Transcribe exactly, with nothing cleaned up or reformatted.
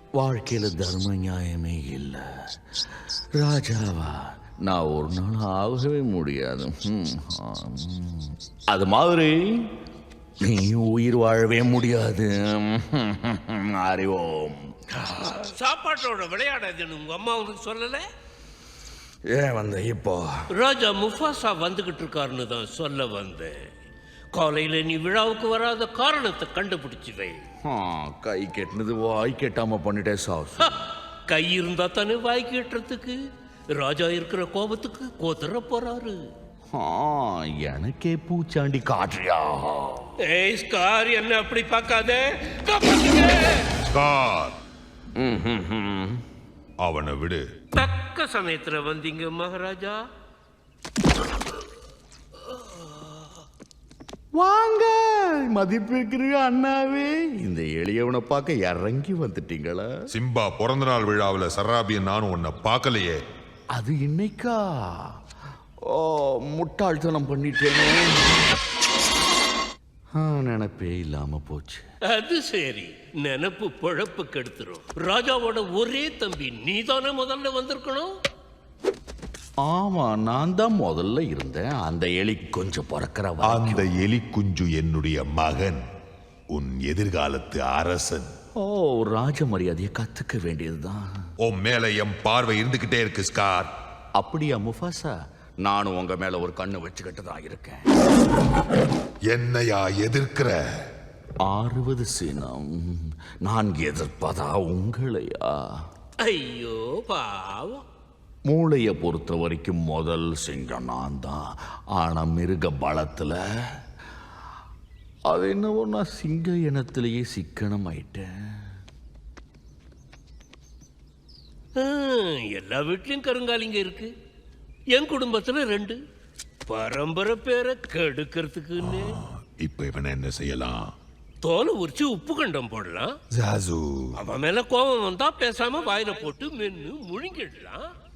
வாழ்க்கையில தர்ம நியாயமே இல்லை. ராஜாவா நான் ஒரு நாள் ஆகவே முடியாது. ம், ம். அது மாதிரி நீ உயிர் வாழவே முடியாது. ம், அறிவோம். சாப்பாட்டோட விளையாடாதுன்னு உங்க அம்மா உனக்கு சொல்லல? ஏன் வந்த இப்போ? ராஜா முஃபாசா வந்துகிட்டு இருக்காருன்னு தான் சொல்ல வந்தேன். காலையில நீ விழாவுக்கு வராத காரணத்தை கண்டுபிடிச்சு வை. ஆ, கை கெட்டினது வாய் கெட்டாம பண்ணிட்டே சாஸ். கை இருந்தா தானே வாய் கேட்டுறதுக்கு. ராஜா இருக்கிற கோபத்துக்கு கோத்தர போறாரு. ஆ, எனக்கே பூச்சாண்டி காட்டுறியா? ஏய் ஸ்கார், என்ன அப்படி பார்க்காத. ஸ்கார், அவனை விடு. தக்க சமயத்துல வந்தீங்க மகாராஜா. வாங்க மதிப்பிருக்கிற அண்ணாவே, இந்த எளியவனை பார்க்க இறங்கி வந்துட்டீங்களா? சிம்பா பிறந்த நாள் விழாவில் சராபியன் நானும் உன்னை பார்க்கலையே. அது இன்னைக்கா? ஓ, முட்டாள்தனம் பண்ணிட்டேனே. ஆ, நினைப்பே இல்லாம போச்சு. அது சரி, நினப்பு பொழப்பு கெடுத்துரும். ராஜாவோட ஒரே தம்பி நீதானே முதல்ல வந்திருக்கணும். ஆமா, நான் தான் முதல்ல இருந்தேன். அந்த எலி கொஞ்சம் பிறக்கிற அந்த எலி குஞ்சு என்னுடைய மகன், உன் எதிர்காலத்து அரசன். ஓ, ராஜ மரியாதையை கத்துக்க வேண்டியதுதான். உன் மேல என் பார்வை இருந்துகிட்டே இருக்கு ஸ்கார். அப்படியா முஃபாசா? நானும் உங்க மேல ஒரு கண்ணு வச்சுக்கிட்டு தான் இருக்கேன். என்னையா எதிர்க்கிற? அறுபது சினம். நான் எதிர்ப்பதா உங்களையா? ஐயோ பாவம். மூளையை பொறுத்த வரைக்கும் முதல் சிங்கம் நான் தான். ஆனா மிருக பலத்துல அது என்னவோ நான் சிங்க இனத்திலேயே சிக்கனம் ஆயிட்டேன். எல்லா வீட்லயும் கருங்காலிங்க இருக்கு. என் குடும்பத்துல ரெண்டு. பரம்பரை பேரை கெடுக்கிறதுக்குன்னு இப்ப இவனை என்ன செய்யலாம்? தோலை உரிச்சு உப்பு கண்டம் போடலாம். ஜாசு, அவன் மேல கோபம் வந்தா பேசாம வாயில போட்டு மென்னு முழுங்கிடலாம்.